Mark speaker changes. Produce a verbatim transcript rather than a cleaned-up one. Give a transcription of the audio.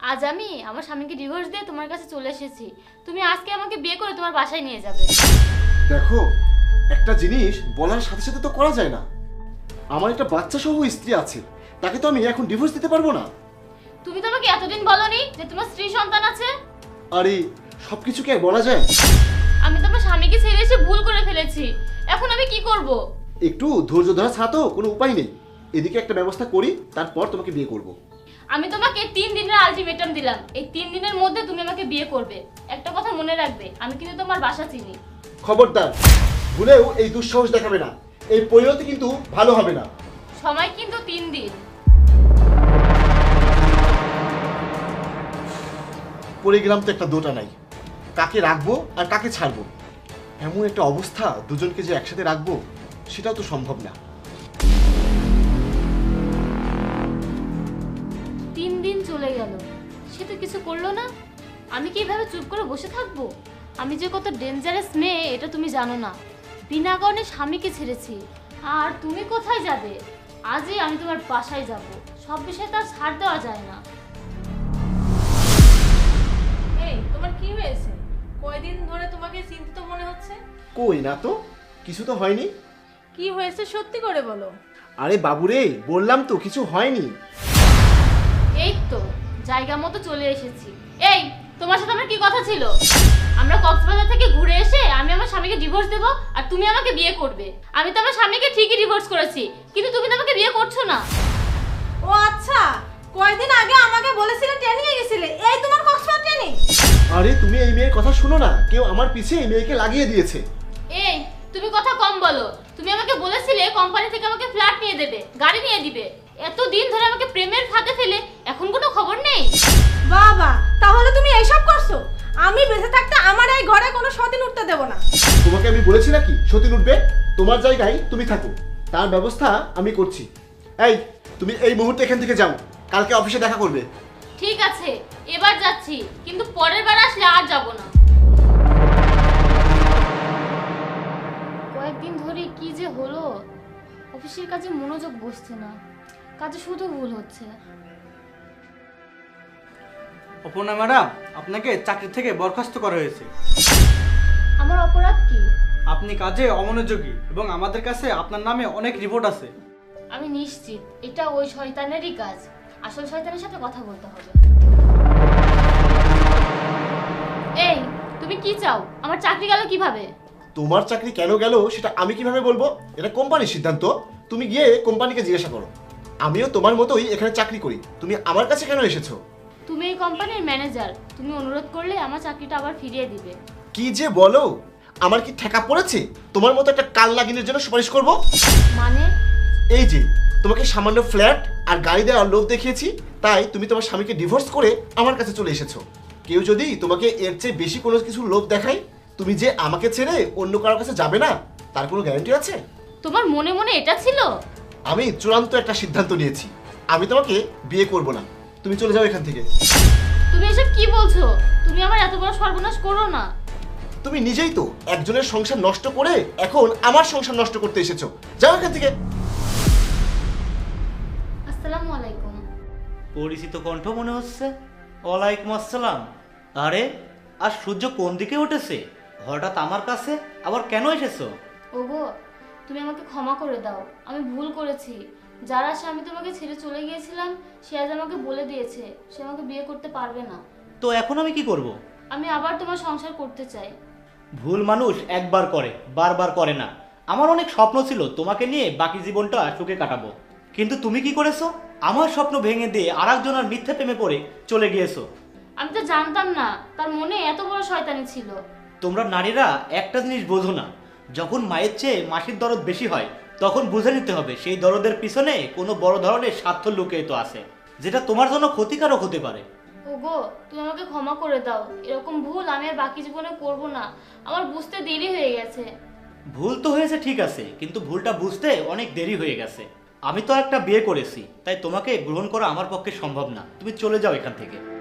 Speaker 1: আজ আমি আমার স্বামীকে ডিভোর্স দিয়ে তোমার কাছে চলে এসেছি। তুমি আজকে আমাকে বিয়ে করে তোমার বাসায় নিয়ে যাবে।
Speaker 2: দেখো, একটা জিনিস বলার সাথে সাথে তো করা যায় না। আমার একটা বাচ্চা সহ স্ত্রী আছে, তাকে তো আমি এখন ডিভোর্স দিতে পারবো না।
Speaker 1: তুমি তো আমাকে এতদিন বলনি যে তোমার স্ত্রী সন্তান আছে।
Speaker 2: আরে সবকিছু কি আর বলা যায়?
Speaker 1: আমি তোমার স্বামীকে ছেড়ে এসে ভুল করে ফেলেছি, এখন আমি কি করব?
Speaker 2: একটু ধৈর্য ধরা ছাড়া তো কোনো উপায় নেই। এদিকে একটা ব্যবস্থা করি, তারপর তোমাকে বিয়ে করব।
Speaker 1: আমি তোমাকে তিন দিনের আলটিমেটাম দিলাম, এই তিন দিনের মধ্যে তুমি আমাকে বিয়ে করবে। একটা কথা মনে রাখবে, আমি কিন্তু তোমার বাসা চিনি।
Speaker 2: খবরদার, ভুলেও এই দুঃসাহস দেখাবে না। এই পরিণতি কিন্তু ভালো হবে না।
Speaker 1: সময় কিন্তু তিন দিন।
Speaker 2: পড়ে গেলাম তো একটা দোটা নাই, কাকে রাখবো আর কাকে ছাড়বো। এমন একটা অবস্থা, দুজনকে যে একসাথে রাখবো সেটাও তো সম্ভব না।
Speaker 1: তিন দিন চলে গেল, সে তো কিছু করলো না। আমি কি এভাবে চুপ করে বসে থাকবো? আমি যে কত ডেঞ্জারাস মেয়ে এটা তুমি জানো না। বিনা কারণে স্বামীকে ছেড়েছি, আর তুমি কোথায় যাবে? আজই আমি তোমার বাসায় যাব। সব বিষয়ে তার ছাড় দেওয়া যায় না।
Speaker 3: এই তোমার কি হয়েছে? কয়দিন ধরে তোমাকে চিন্তিত মনে হচ্ছে।
Speaker 2: কই না তো, কিছু তো হয়নি।
Speaker 3: কি হয়েছে সত্যি করে বলো।
Speaker 2: আরে বাবুরে, বললাম তো কিছু হয়নি।
Speaker 1: এই তো জায়গা মতো চলে এসেছি। এই, তোমার সাথে আমার কি কথা ছিল? আমরা কক্সবাজার থেকে ঘুরে এসে আমি আমার স্বামীকে ডিভোর্স দেব আর তুমি আমাকে বিয়ে করবে। আমি তো আমার স্বামীকে ঠিকই ডিভোর্স করেছি, কিন্তু তুমি তো আমাকে বিয়ে করছো না।
Speaker 3: ও আচ্ছা, কয়দিন আগে আমাকে বলেছিলে ট্রেনিং এ গেছিলে, এই তোমার কক্সবাজার ট্রেনিং।
Speaker 2: আরে তুমি এই মেয়ের কথা শুনো না, কেউ আমার পিছে এই মেয়েকে লাগিয়ে দিয়েছে।
Speaker 1: এই, তুমি কথা কম বলো। তুমি আমাকে বলেছিলে কোম্পানি থেকে আমাকে ফ্ল্যাট নিয়ে দেবে, গাড়ি নিয়ে দিবে। এত দিন ধরে আমাকে প্রেমের ফাঁদে ফেলে এখন কোনো খবর নেই।
Speaker 3: বাবা, তাহলে তুমি এইসব করছো? আমি বেঁচে থাকতে আমার এই ঘরে কোনো সতীন উঠতে দেব না।
Speaker 2: তোমাকে আমি বলেছি নাকি সতীন উঠবে? তোমার জায়গায় তুমি থাকো, তার ব্যবস্থা আমি করছি। এই, তুমি এই মুহূর্তে এখান থেকে যাও, কালকে অফিসে দেখা করবে।
Speaker 1: ঠিক আছে, এবার যাচ্ছি, কিন্তু পরের বার আসলে আর যাব না। কয়েকদিন ধরে কি যে হলো, অফিসের কাজে মনোযোগ বসছে না, কাজে শুধু ভুল হচ্ছে।
Speaker 4: অপর্ণা ম্যাডাম, আপনাকে চাকরি থেকে বরখাস্ত করা হয়েছে।
Speaker 1: আমার অপরাধ কি?
Speaker 4: আপনি কাজে অমনোযোগী এবং আমাদের কাছে আপনার নামে অনেক রিপোর্ট আছে।
Speaker 1: আমি নিশ্চিত এটা ওই শয়তানেরই কাজ। আসল শয়তানের সাথে কথা বলতে হবে। এই, তুমি কি চাও? আমার চাকরি গেল কিভাবে?
Speaker 2: তোমার চাকরি কেন গেল সেটা আমি কিভাবে বলবো? এটা কোম্পানির সিদ্ধান্ত। তুমি গিয়ে কোম্পানিকে জিজ্ঞাসা করো। আমিও তোমার মতোই এখানে চাকরি করি, তুমি আমার কাছে কেন এসেছো?
Speaker 1: তুমি এই কোম্পানির ম্যানেজার, তুমি অনুরোধ করলে আমার চাকরিটা আবার ফিরিয়ে দিবে।
Speaker 2: কি যে বলো, আমার কি ঠেকা পড়েছে তোমার মতো একটা কাল লাগিনের জন্য সুপারিশ করব?
Speaker 1: মানে?
Speaker 2: এই যে তোমাকে সামান্য ফ্ল্যাট আর গাড়ি দেওয়ার লোভ দেখিয়েছি, তাই তুমি তোমার স্বামীকে ডিভোর্স করে আমার কাছে চলে এসেছো। কেউ যদি তোমাকে এর চেয়ে বেশি কোনো কিছু লোভ দেখায়, তুমি যে আমাকে ছেড়ে অন্য কারোর কাছে যাবে না, তার কোনো গ্যারান্টি আছে?
Speaker 1: তোমার মনে মনে এটা ছিল?
Speaker 2: আমি চূড়ান্ত একটা সিদ্ধান্ত নিয়েছি, আমি তোমাকে বিয়ে করব না। তুমি চলে যাও এখান থেকে।
Speaker 1: তুমি এসব কি বলছো? তুমি আমার এত বড় সর্বনাশ করো না।
Speaker 2: তুমি নিজেই তো একজনের সংসার নষ্ট করে এখন আমার সংসার নষ্ট করতে এসেছো। যাও এখান থেকে।
Speaker 1: আসসালামু আলাইকুম।
Speaker 5: পরিচিত কণ্ঠ মনে হচ্ছে। ওয়ালাইকুম আসসালাম। আরে, আর সূর্য কোন দিকে উঠেছে? হঠাৎ আমার কাছে আবার কেন এসেছো?
Speaker 1: ওগো, তুমি আমাকে ক্ষমা করে দাও, আমি ভুল করেছি। যারা স্বামী তোমাকে ছেড়ে চলে গিয়েছিলাম, সে আজ আমাকে বলে দিয়েছে সে আমাকে বিয়ে করতে পারবে না।
Speaker 5: তো এখন আমি কি করব?
Speaker 1: আমি আবার তোমার সংসার করতে চাই।
Speaker 5: ভুল মানুষ একবার করে, বারবার করে না। আমার অনেক স্বপ্ন ছিল তোমাকে নিয়ে বাকি জীবনটা সুখে কাটাবো, কিন্তু তুমি কি করেছো? আমার স্বপ্ন ভেঙে দিয়ে আর একজনের মিথ্যে প্রেমে পড়ে চলে গিয়েছো।
Speaker 1: আমি তো জানতাম না তার মনে এত বড় শয়তানি ছিল।
Speaker 5: তোমরা নারীরা একটা জিনিস বোঝো না, যখন মায়ের চেয়ে মাসির দরদ বেশি হয় তখন বুঝে নিতে হবে সেই দরদের পিছনে কোনো বড় ধরনের স্বার্থ লুকিয়ে তো আছে, যেটা তোমার জন্য ক্ষতিকারক হতে পারে।
Speaker 1: ওগো, তুমি আমাকে ক্ষমা করে দাও, এরকম ভুল আমি আর বাকি জীবনে করব না। আমার বুঝতে দেরি হয়ে গেছে।
Speaker 5: ভুল তো হয়েছে ঠিক আছে, কিন্তু ভুলটা বুঝতে অনেক দেরি হয়ে গেছে। আমি তো একটা বিয়ে করেছি, তাই তোমাকে গ্রহণ করা আমার পক্ষে সম্ভব না। তুমি চলে যাও এখান থেকে।